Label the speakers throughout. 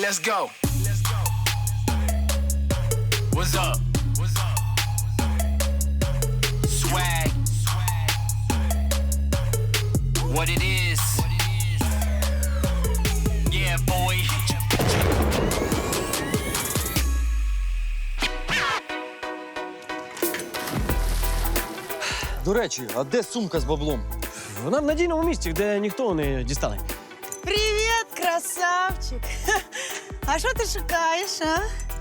Speaker 1: Let's go. What's up? Swag. What it is. Yeah, boy.
Speaker 2: До речі, а де сумка з баблом?
Speaker 3: Вона в надійному місці, де ніхто не дістане.
Speaker 4: Привіт, красавчик! А що ти шукаєш, а?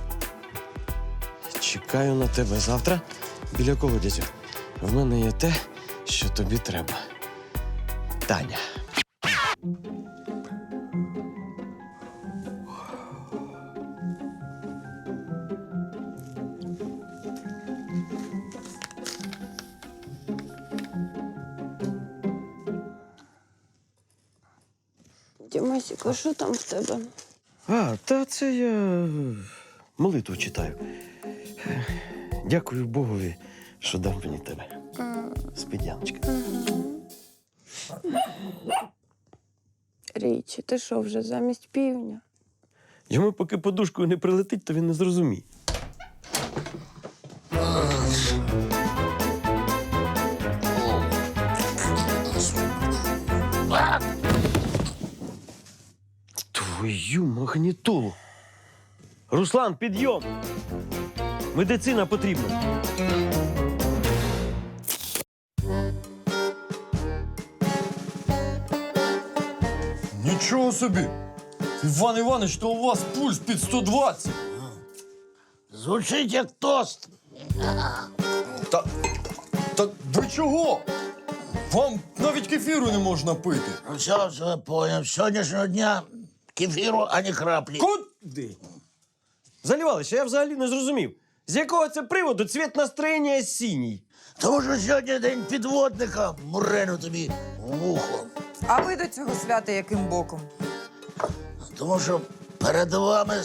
Speaker 3: Чекаю на тебе завтра біля колодязю. В мене є те, що тобі треба. Таня.
Speaker 5: Дімасік, а що там в тебе?
Speaker 3: А, та це я молитву читаю. Дякую Богові, що дав мені тебе. Спідяночка.
Speaker 5: Річі, ти що, вже замість півня?
Speaker 3: Йому поки подушкою не прилетить, то він не зрозуміє. Твою магнітолу. Руслан, підйом! Медицина потрібна.
Speaker 2: Нічого собі! Іван Іванович, то у вас пульс під 120.
Speaker 6: Звучить як тост.
Speaker 2: Та ви чого? Вам навіть кефіру не можна пити.
Speaker 6: Ну, все, поняв. З сьогоднішнього дня кефіру ані краплі.
Speaker 3: Куди? Залівалище, я взагалі не зрозумів. З якого це приводу цвіт настроєння синій?
Speaker 6: Тому що сьогодні день підводника. Мурену тобі в вухо.
Speaker 7: А ви до цього свята яким боком?
Speaker 6: Тому що перед вами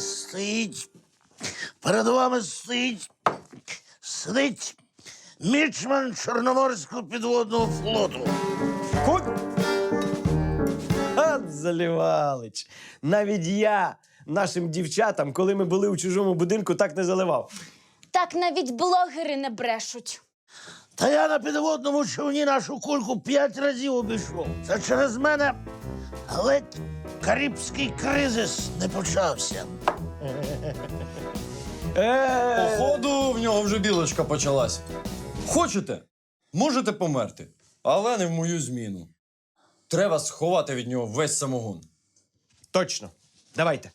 Speaker 6: сидить мічман Чорноморського підводного флоту.
Speaker 3: От Залівалич. Навіть я нашим дівчатам, коли ми були у чужому будинку, так не заливав.
Speaker 8: Так навіть блогери не брешуть.
Speaker 6: Та я на підводному човні нашу кульку 5 разів обійшов. Це через мене ледь карибський кризис не почався.
Speaker 2: Походу, в нього вже білочка почалась. Хочете? Можете померти, але не в мою зміну. Треба сховати від нього весь самогон.
Speaker 3: Точно. Давайте.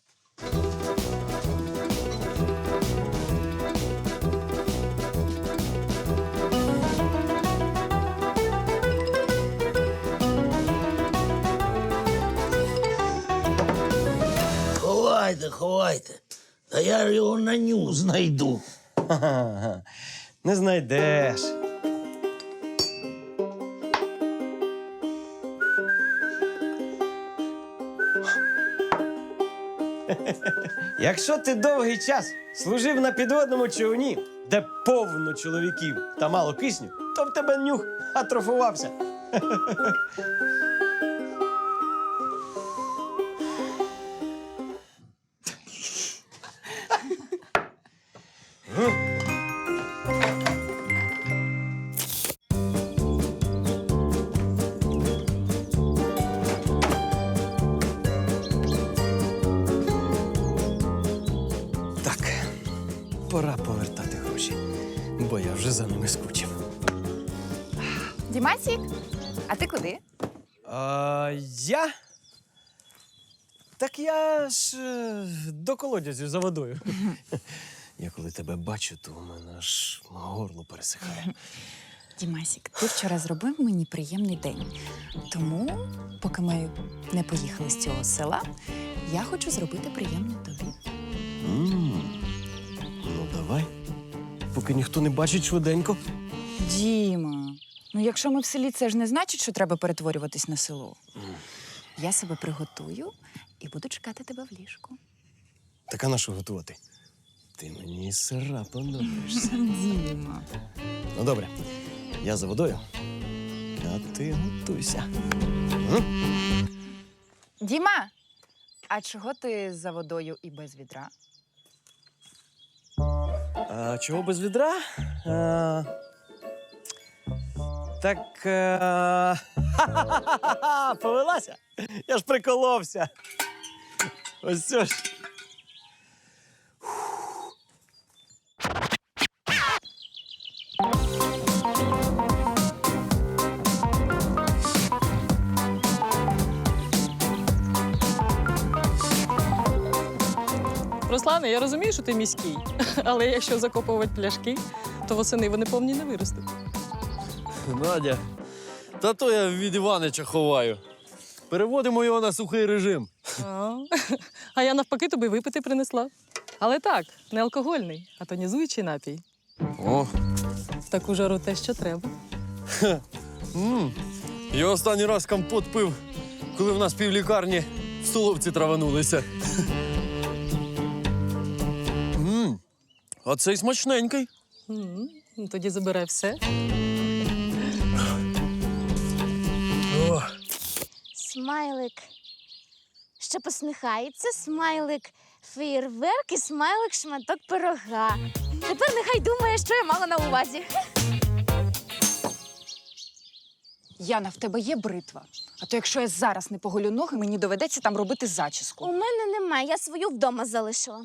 Speaker 6: Ховайте. Та я його на ню знайду.
Speaker 3: Ха-ха-ха. Не знайдеш. Якщо ти довгий час служив на підводному човні, де повно чоловіків та мало кисню, то в тебе нюх атрофувався. Так, пора повертати гроші, бо я вже за ними скучив.
Speaker 7: Дімасік, а ти куди?
Speaker 3: Я? Так я ж до колодязю за водою. Я коли тебе бачу, то у мене аж горло пересихає.
Speaker 7: Дімасік, ти вчора зробив мені приємний день. Тому, поки ми не поїхали з цього села, я хочу зробити приємне тобі.
Speaker 3: Ну, давай. Поки ніхто не бачить швиденько.
Speaker 7: Діма, ну якщо ми в селі, це ж не значить, що треба перетворюватись на село. Я себе приготую і буду чекати тебе в ліжку.
Speaker 3: Так а на що готувати? Ти мені із сира подобаєшся.
Speaker 7: Діма.
Speaker 3: Ну, добре. Я за водою, а ти готуйся.
Speaker 7: Діма, А чого ти за водою і без відра?
Speaker 3: А чого без відра? Так. Ха-ха-ха! Повелася? Я ж приколовся. Ось це ж.
Speaker 9: Руслане, я розумію, що ти міський, але якщо закопувати пляшки, то восени вони повні не виростуть.
Speaker 2: Надя, та то я від Іванича ховаю. Переводимо його на сухий режим.
Speaker 9: А я навпаки тобі випити принесла. Але так, не алкогольний, а тонізуючий напій.
Speaker 2: О,
Speaker 9: В таку жару те, що треба.
Speaker 2: я останній раз компот пив, коли в нас півлікарні в столовці траванулися. А цей смачненький.
Speaker 9: Ну, тоді забирай все.
Speaker 8: Смайлик, що посміхається, смайлик, феєрверк і смайлик шматок пирога. Тепер нехай думає, що я мала на увазі.
Speaker 7: Яна, в тебе є бритва. А то якщо я зараз не поголю ноги, мені доведеться там робити зачіску.
Speaker 8: У мене немає, я свою вдома залишила.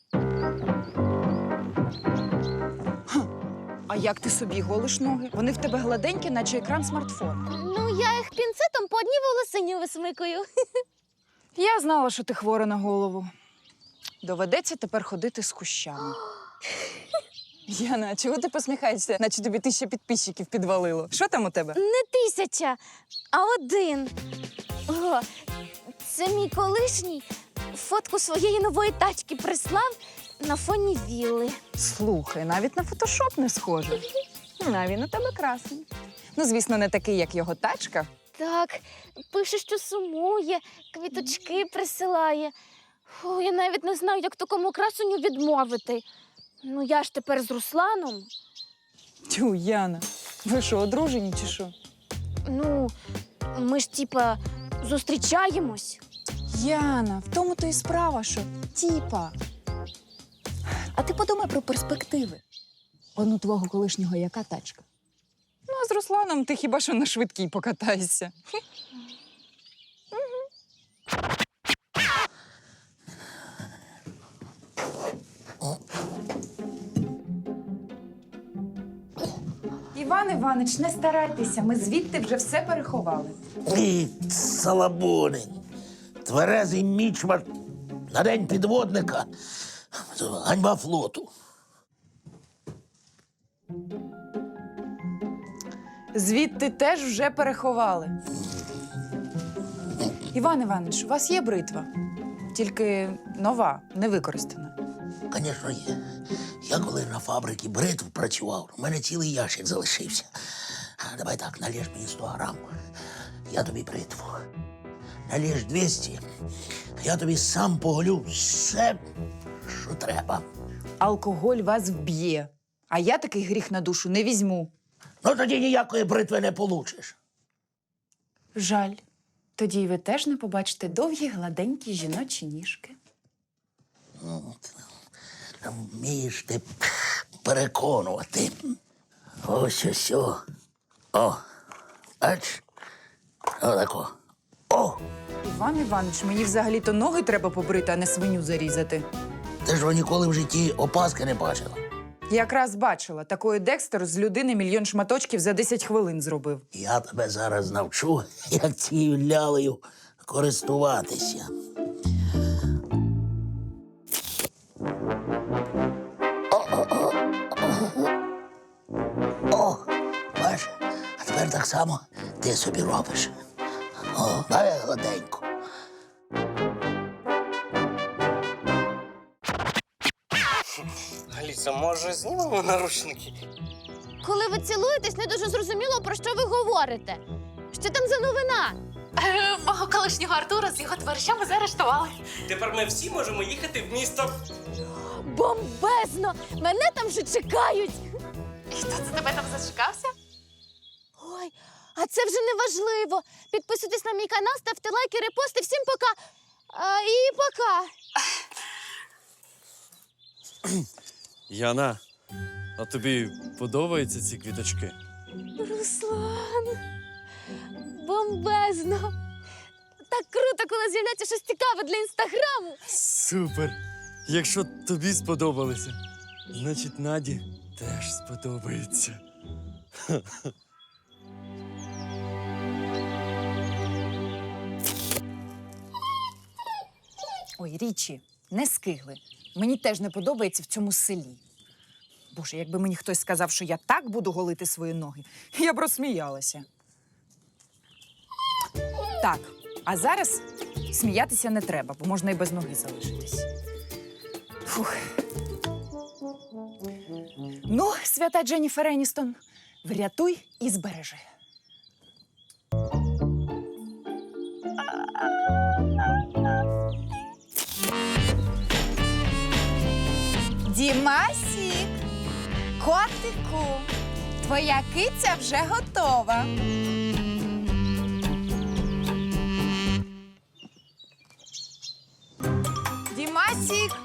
Speaker 7: А як ти собі голиш ноги? Вони в тебе гладенькі, наче екран смартфона.
Speaker 8: Ну, я їх пінцетом по одній волосині висмикую.
Speaker 7: Я знала, що ти хвора на голову. Доведеться тепер ходити з кущами. Яна, а чого ти посміхаєшся, наче тобі 1000 підписчиків підвалило? Що там у тебе?
Speaker 8: Не 1000, а 1. О, це мій колишній фотку своєї нової тачки прислав на фоні вілли.
Speaker 7: Слухай, навіть на фотошоп не схоже. А він у тебе красний. Ну, звісно, не такий, як його тачка.
Speaker 8: Так, пише, що сумує, квіточки присилає. Фу, я навіть не знаю, як такому красуню відмовити. Ну, я ж тепер з Русланом.
Speaker 7: Тю, Яна, ви що, одружені чи що?
Speaker 8: Ну, ми ж, типа, зустрічаємось.
Speaker 7: Яна, в тому то і справа, що тіпа. А ти подумай про перспективи. Он у твого колишнього яка тачка? Ну, а з Русланом ти хіба що на швидкій покатаєшся. Іван Іванич, не старайтеся, ми звідти вже все переховали.
Speaker 6: І салабонень. Тверезий мічмар на день підводника. Ганьба флоту.
Speaker 7: Звідти теж вже переховали. Іван Іванович, у вас є бритва? Тільки нова, не використана.
Speaker 6: Звісно, є. Я коли на фабриці бритв працював, у мене цілий ящик залишився. Давай так, налєш мені 100 грам, я тобі бритву. Налєш 200, я тобі сам поголю все, що треба.
Speaker 7: Алкоголь вас вб'є, а я такий гріх на душу не візьму.
Speaker 6: Ну тоді ніякої бритви не получиш.
Speaker 7: Жаль. Тоді й ви теж не побачите довгі гладенькі жіночі ніжки.
Speaker 6: Там вмієш ти переконувати. Ось. О, бач? Отако. О!
Speaker 7: Іван Іванович, мені взагалі-то ноги треба побрити, а не свиню зарізати.
Speaker 6: Ти ж ніколи в житті опаски не бачила.
Speaker 7: Якраз бачила, такої Декстер з людини 1 000 000 шматочків за 10 хвилин зробив.
Speaker 6: Я тебе зараз навчу, як цією лялею користуватися. О, бачиш, а тепер так само ти собі робиш. О, давай гладенько.
Speaker 3: Аліса, може, знімемо наручники?
Speaker 8: Коли ви цілуєтесь, не дуже зрозуміло, про що ви говорите. Що там за новина?
Speaker 10: Мого колишнього Артура з його товаришами заарештували.
Speaker 3: Тепер ми всі можемо їхати в місто.
Speaker 8: Бомбезно! Мене там вже чекають.
Speaker 10: І хто це тебе там зачекався?
Speaker 8: Ой, а це вже не важливо. Підписуйтесь на мій канал, ставте лайки, репости. Всім пока. І пока.
Speaker 2: Яна, а тобі подобаються ці квіточки?
Speaker 8: Руслан, бомбезно. Так круто, коли з'являється щось цікаве для інстаграму.
Speaker 2: Супер! Якщо тобі сподобалося, значить Наді теж сподобається.
Speaker 7: Ой, Річі, не скигли. Мені теж не подобається в цьому селі. Боже, якби мені хтось сказав, що я так буду голити свої ноги, я б розсміялася. Так, а зараз сміятися не треба, бо можна і без ноги залишитись. Фух. Ну, свята Дженніфер Еністон, врятуй і збережи. Дімасік, котику, твоя киця вже готова. Дімасік.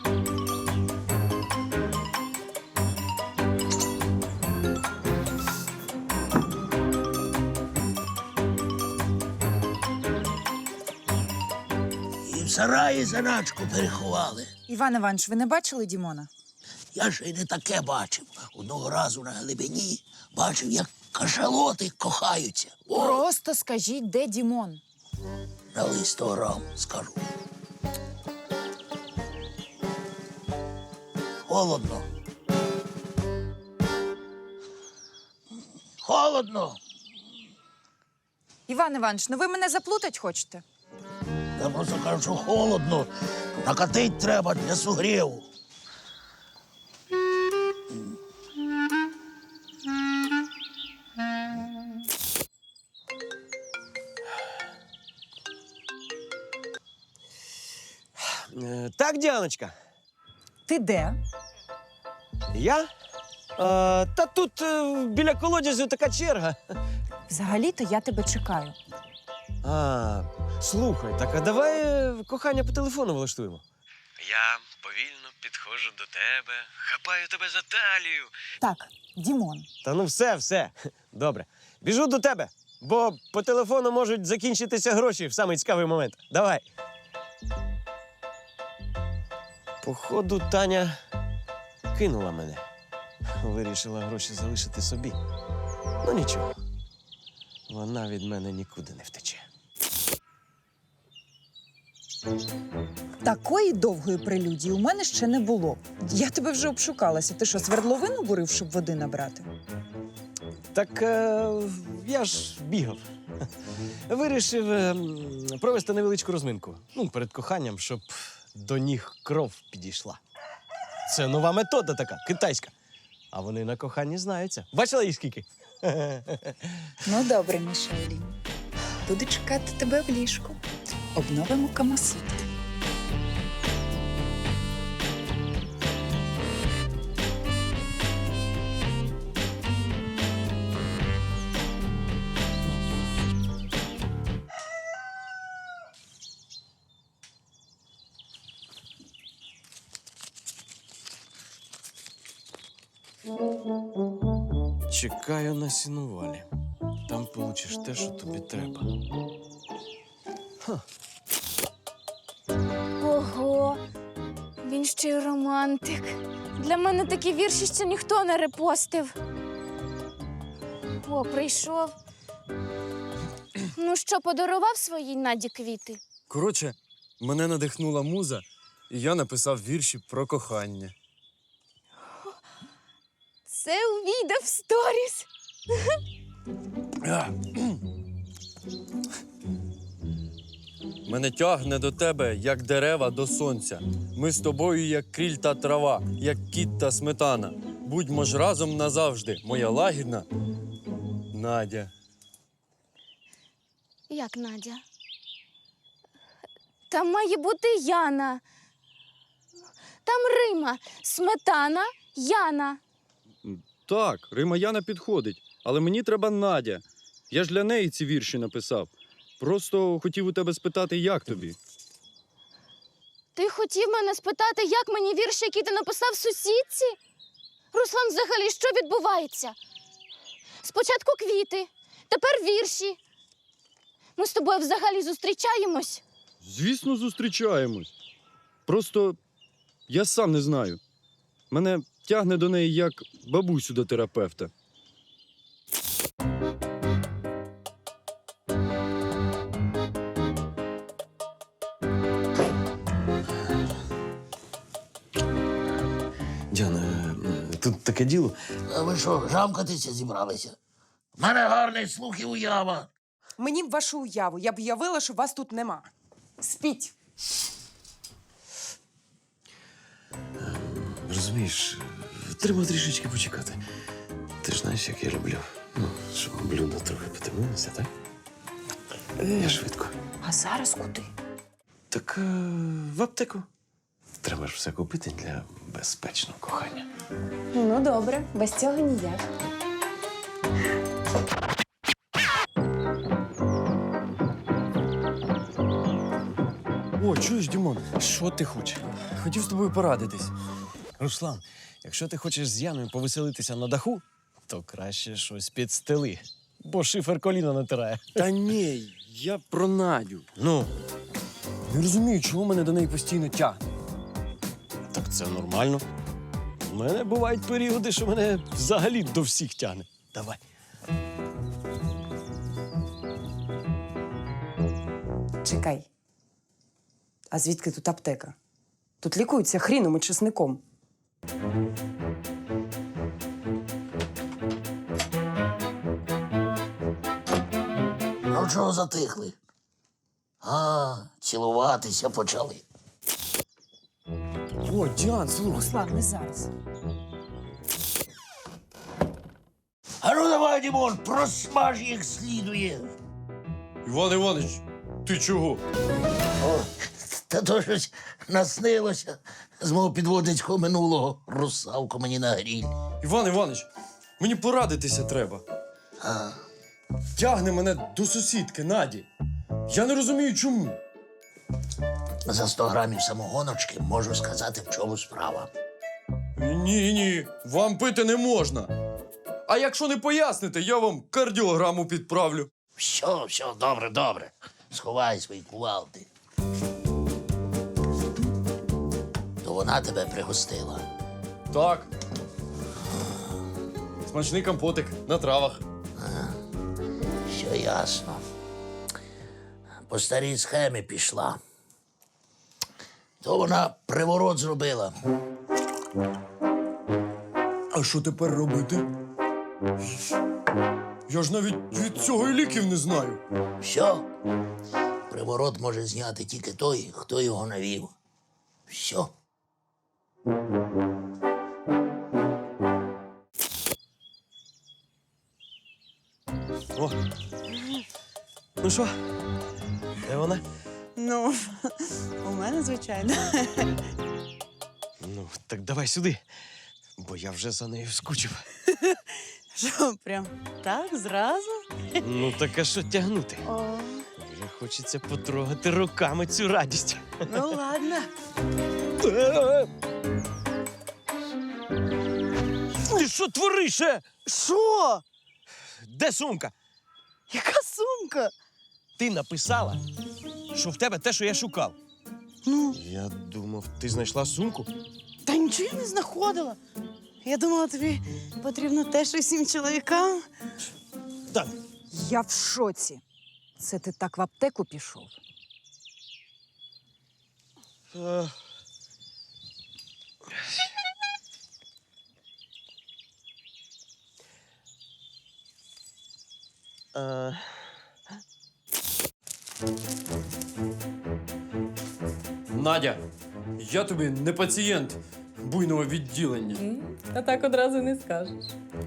Speaker 6: І в сараї заначку переховали.
Speaker 7: Іван Іванович, ви не бачили Дімона?
Speaker 6: Я ще й не таке бачив. Одного разу на глибині бачив, як кашалоти кохаються. О,
Speaker 7: Просто скажіть, де Дімон.
Speaker 6: на листограм скажу. Холодно. Холодно.
Speaker 7: Іван Іванович, ну ви мене заплутать хочете?
Speaker 6: Я просто кажу, що холодно. Накатить треба для сугріву.
Speaker 3: Так, Діаночка,
Speaker 7: Ти де?
Speaker 3: я? Та тут біля колодязю така черга.
Speaker 7: Взагалі-то я тебе чекаю.
Speaker 3: Слухай, так а давай кохання по телефону влаштуємо. Я повільно підходжу до тебе, хапаю тебе за талію.
Speaker 7: Так, Дімон.
Speaker 3: Та ну все. Добре. Біжу до тебе, бо по телефону можуть закінчитися гроші в самий цікавий момент. Давай. Походу, Таня кинула мене. Вирішила гроші залишити собі. Ну нічого. Вона від мене нікуди не втече.
Speaker 7: Такої довгої прелюдії у мене ще не було. Я тебе вже обшукалася. Ти що, свердловину бурив, щоб води набрати?
Speaker 3: Так я ж бігав. Вирішив провести невеличку розминку. Ну, перед коханням, щоб до ніг кров підійшла. Це нова метода така, китайська. А вони на коханні знаються. Бачила їх скільки?
Speaker 7: Ну, добре, Мішелі. Буду чекати тебе в ліжку. Обновимо Камасутру.
Speaker 2: Чекаю на сінувалі. Там получиш те, що тобі треба.
Speaker 8: Ого, він ще й романтик. Для мене такі вірші ще ніхто не репостив. О, прийшов. Ну що, подарував своїй Наді квіти?
Speaker 2: Коротше, мене надихнула муза, і я написав вірші про кохання.
Speaker 8: Це увійде в сторіс.
Speaker 2: Мене тягне до тебе, як дерева до сонця. Ми з тобою, як кріль та трава, як кіт та сметана. Будьмо ж разом назавжди, моя лагідна Надя.
Speaker 8: Як Надя? Там має бути Яна. Там Рима, сметана, Яна.
Speaker 2: Так, Рима Яна підходить, але мені треба Надя. Я ж для неї ці вірші написав. Просто хотів у тебе спитати, як тобі.
Speaker 8: Ти хотів мене спитати, як мені вірш, який ти написав сусідці? Руслан, взагалі, що відбувається? Спочатку квіти, тепер вірші. Ми з тобою взагалі зустрічаємось?
Speaker 2: Звісно, зустрічаємось. Просто я сам не знаю. Мене тягне до неї як бабусю до терапевта.
Speaker 3: Діана, тут таке діло.
Speaker 6: А ви що, жамкатися зібралися? У мене гарний слух і уява.
Speaker 11: Мені б вашу уяву, я б уявила, що вас тут нема. Спіть.
Speaker 3: Розумієш, треба трішечки почекати. Ти ж знаєш, як я люблю. Ну, щоб блюдо трохи потемнилося, так? Я швидко.
Speaker 11: А зараз куди?
Speaker 3: Так в аптеку. Треба ж все купити для безпечного кохання.
Speaker 5: Ну, добре, без цього ніяк.
Speaker 2: О, чуєш, Дімон?
Speaker 3: Що ти хочеш?
Speaker 2: Хотів з тобою порадитись.
Speaker 3: Руслан, якщо ти хочеш з Яною повеселитися на даху, то краще щось під стели, бо шифер коліна натирає.
Speaker 2: Та ні, я про Надю.
Speaker 3: Ну,
Speaker 2: Не розумію, чого мене до неї постійно тягне.
Speaker 3: так це нормально. У мене бувають періоди, що мене взагалі до всіх тягне. Давай.
Speaker 11: Чекай. А звідки тут аптека? Тут лікуються хріном і чесником.
Speaker 6: Ну чого затихли? А, цілуватися почали.
Speaker 2: О, Діан, слухай.
Speaker 11: Руслан, не зараз.
Speaker 6: А ну давай, Дімон, просмаж їх слідує.
Speaker 2: Іван Іванович, ти чого?
Speaker 6: О, та то щось наснилося з мого підводницького минулого. Русалку мені на гріль.
Speaker 2: Іван Іванович, мені порадитися треба.
Speaker 6: А,
Speaker 2: Тягне мене до сусідки Наді. Я не розумію, чому.
Speaker 6: за 100 грамів самогоночки можу сказати, в чому справа.
Speaker 2: Ні, вам пити не можна. А якщо не поясните, я вам кардіограму підправлю.
Speaker 6: Все, добре. Сховай свої кувалди. То вона тебе пригостила.
Speaker 2: Так. Смачний компотик на травах.
Speaker 6: Все ясно. По старій схемі пішла. То вона приворот зробила.
Speaker 2: А що тепер робити? Я ж навіть від цього і ліків не знаю.
Speaker 6: Все. Приворот може зняти тільки той, хто його навів. Все.
Speaker 3: О. Ну що? Де вона?
Speaker 4: Ну, у мене, звичайно.
Speaker 3: Ну, так давай сюди, бо я вже за нею скучив.
Speaker 4: Що, прям так, зразу?
Speaker 3: Ну, так а що тягнути?
Speaker 4: О,
Speaker 3: Вже хочеться потрогати руками цю радість.
Speaker 4: ну ладно.
Speaker 3: Ти що твориш?
Speaker 4: Що?
Speaker 3: Де сумка?
Speaker 4: Яка сумка?
Speaker 3: Ти написала, що в тебе те, що я шукав.
Speaker 4: Ну,
Speaker 3: Я думав, ти знайшла сумку?
Speaker 4: та нічого я не знаходила. Я думала, тобі потрібно те, що всім чоловікам.
Speaker 3: Так.
Speaker 7: Я в шоці. Це ти так в аптеку пішов?
Speaker 2: Надя, я тобі не пацієнт буйного відділення.
Speaker 9: А так одразу не скажеш.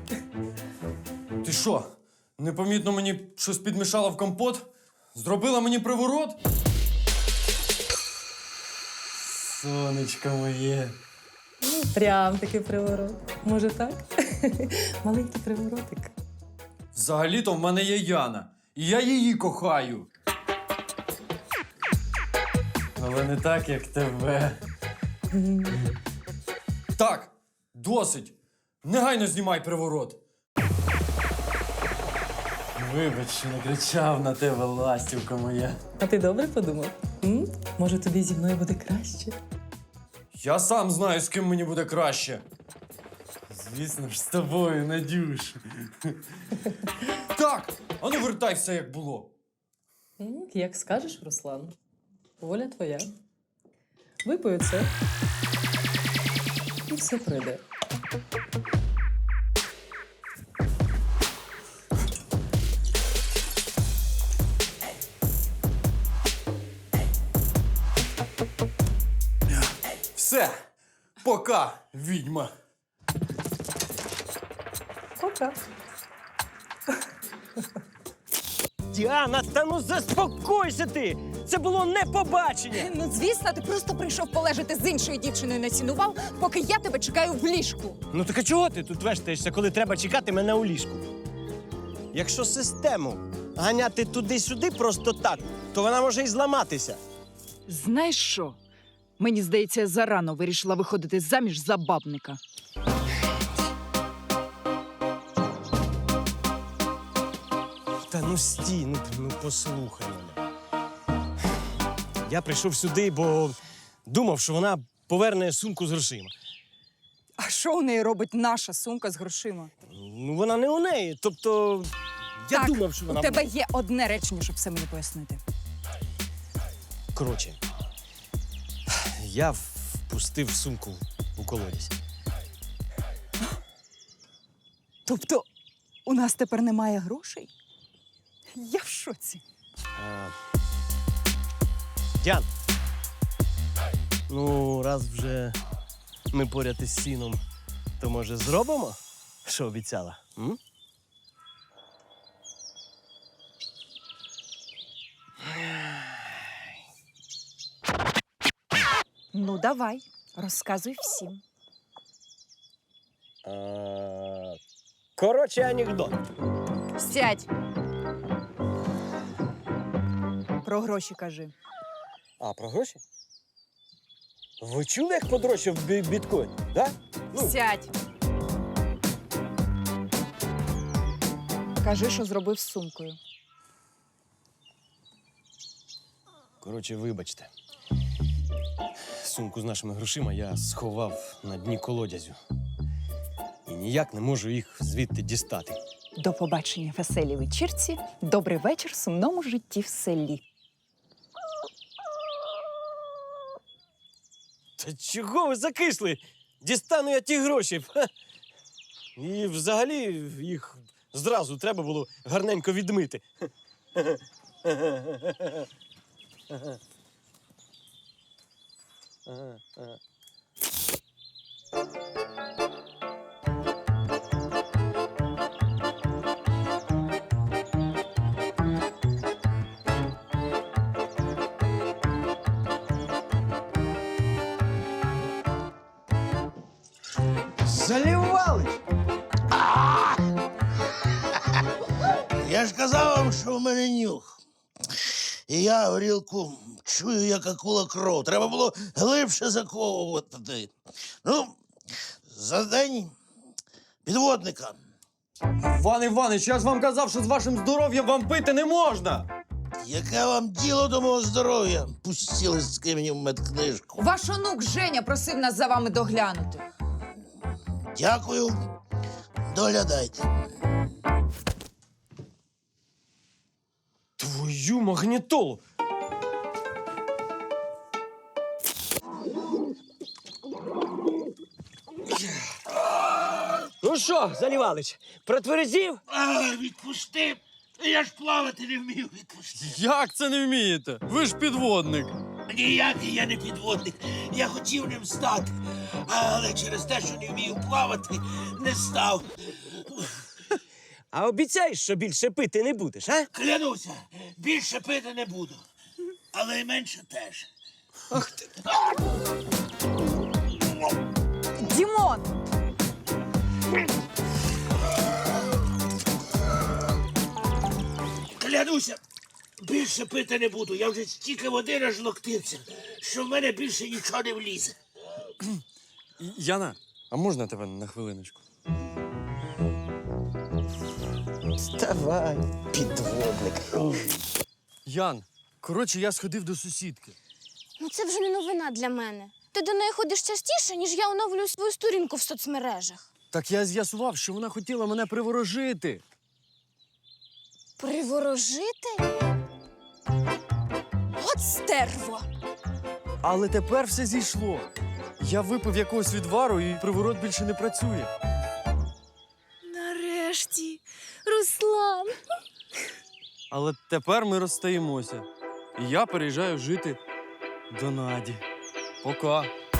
Speaker 2: Ти що, непомітно мені щось підмішала в компот? Зробила мені приворот? Сонечко моє.
Speaker 9: Прям такий приворот. Може так? Маленький приворотик.
Speaker 2: Взагалі-то в мене є Яна, і я її кохаю. Але не так, як тебе. Так, досить. Негайно знімай приворот. Вибач, що накричав на тебе, ластівка моя.
Speaker 9: А ти добре подумав? Може, тобі зі мною буде краще?
Speaker 2: Я сам знаю, з ким мені буде краще. Звісно ж, з тобою, Надюш. Так, а ну вертай все, як було.
Speaker 9: Як скажеш, Руслан. Воля твоя. Випою це. І все пройде.
Speaker 2: Все, пока, відьма.
Speaker 9: Пока.
Speaker 3: Діана, та ну заспокойся ти! Це було не побачення!
Speaker 7: Ну, звісно, ти просто прийшов полежати з іншою дівчиною на цінувал, поки я тебе чекаю в ліжку.
Speaker 3: Ну так а чого ти тут вештаєшся, коли треба чекати мене у ліжку? Якщо систему ганяти туди-сюди просто так, то вона може і зламатися.
Speaker 7: Знаєш що? Мені здається, я зарано вирішила виходити заміж за бабника.
Speaker 3: Та ну стій, ну послухай мене. Я прийшов сюди, бо думав, що вона поверне сумку з грошима.
Speaker 7: А що у неї робить наша сумка з грошима?
Speaker 3: Ну вона не у неї. Тобто я
Speaker 7: Так,
Speaker 3: думав, що вона.
Speaker 7: У тебе є одне речення, щоб все мені пояснити.
Speaker 3: Коротше, я впустив сумку у колодязь.
Speaker 7: Тобто, у нас тепер немає грошей? Я в шоці.
Speaker 3: Діан, ну, раз вже ми поряд із сіном, то може зробимо, що обіцяла? М?
Speaker 7: Ну, давай, розказуй всім.
Speaker 3: Коротше, анекдот.
Speaker 7: Сядь. Про гроші кажи.
Speaker 3: А, про гроші? Ви чули, як подорожчав біткоін, да?
Speaker 7: Сядь. Кажи, що зробив з сумкою.
Speaker 3: Коротше, вибачте. Сумку з нашими грошима я сховав на дні колодязю. І ніяк не можу їх звідти дістати.
Speaker 7: До побачення веселій вечірці. Добрий вечір сумному житті в селі.
Speaker 3: Та чого ви закисли? Дістану я ті гроші. Ха. І взагалі їх зразу треба було гарненько відмити.
Speaker 6: Залівали! Я ж казав вам, що в мене нюх. І я горілку чую, як акула кров. Треба було глибше заковувати. Ну, за день підводника.
Speaker 2: Іван Іванич, я ж вам казав, що з вашим здоров'ям вам пити не можна.
Speaker 6: Яке вам діло до мого здоров'я? Пустіли з кимені в медкнижку.
Speaker 7: Ваш онук Женя просив нас за вами доглянути.
Speaker 6: Дякую. Доглядайте.
Speaker 3: Твою магнітолу! Ну що, Залівалич, протверезів?
Speaker 6: Відпусти! Я ж плавати не вмію, відпусти.
Speaker 2: Як це не вмієте? Ви ж підводник.
Speaker 6: Ніякий я не підводник. Я хотів ним стати, але через те, що не вмію плавати, не став.
Speaker 3: А обіцяєш, що більше пити не будеш, а?
Speaker 6: Клянуся, більше пити не буду. Але й менше теж.
Speaker 3: Ах ти.
Speaker 7: Дімон!
Speaker 6: Клянуся, більше пити не буду. Я вже стільки води нажлоктився, що в мене більше нічого не влізе.
Speaker 2: Яна, а можна тебе на хвилиночку?
Speaker 3: Давай, підводник.
Speaker 2: Ян, коротше, я сходив до сусідки.
Speaker 8: Ну це вже не новина для мене. Ти до неї ходиш частіше, ніж я оновлюю свою сторінку в соцмережах.
Speaker 2: Так я з'ясував, що вона хотіла мене приворожити.
Speaker 8: Приворожити? От стерво!
Speaker 2: Але тепер все зійшло. Я випив якогось відвару, і приворот більше не працює.
Speaker 8: Нарешті, Руслан!
Speaker 2: Але тепер ми розстаємося. І я переїжджаю жити до Наді. Пока.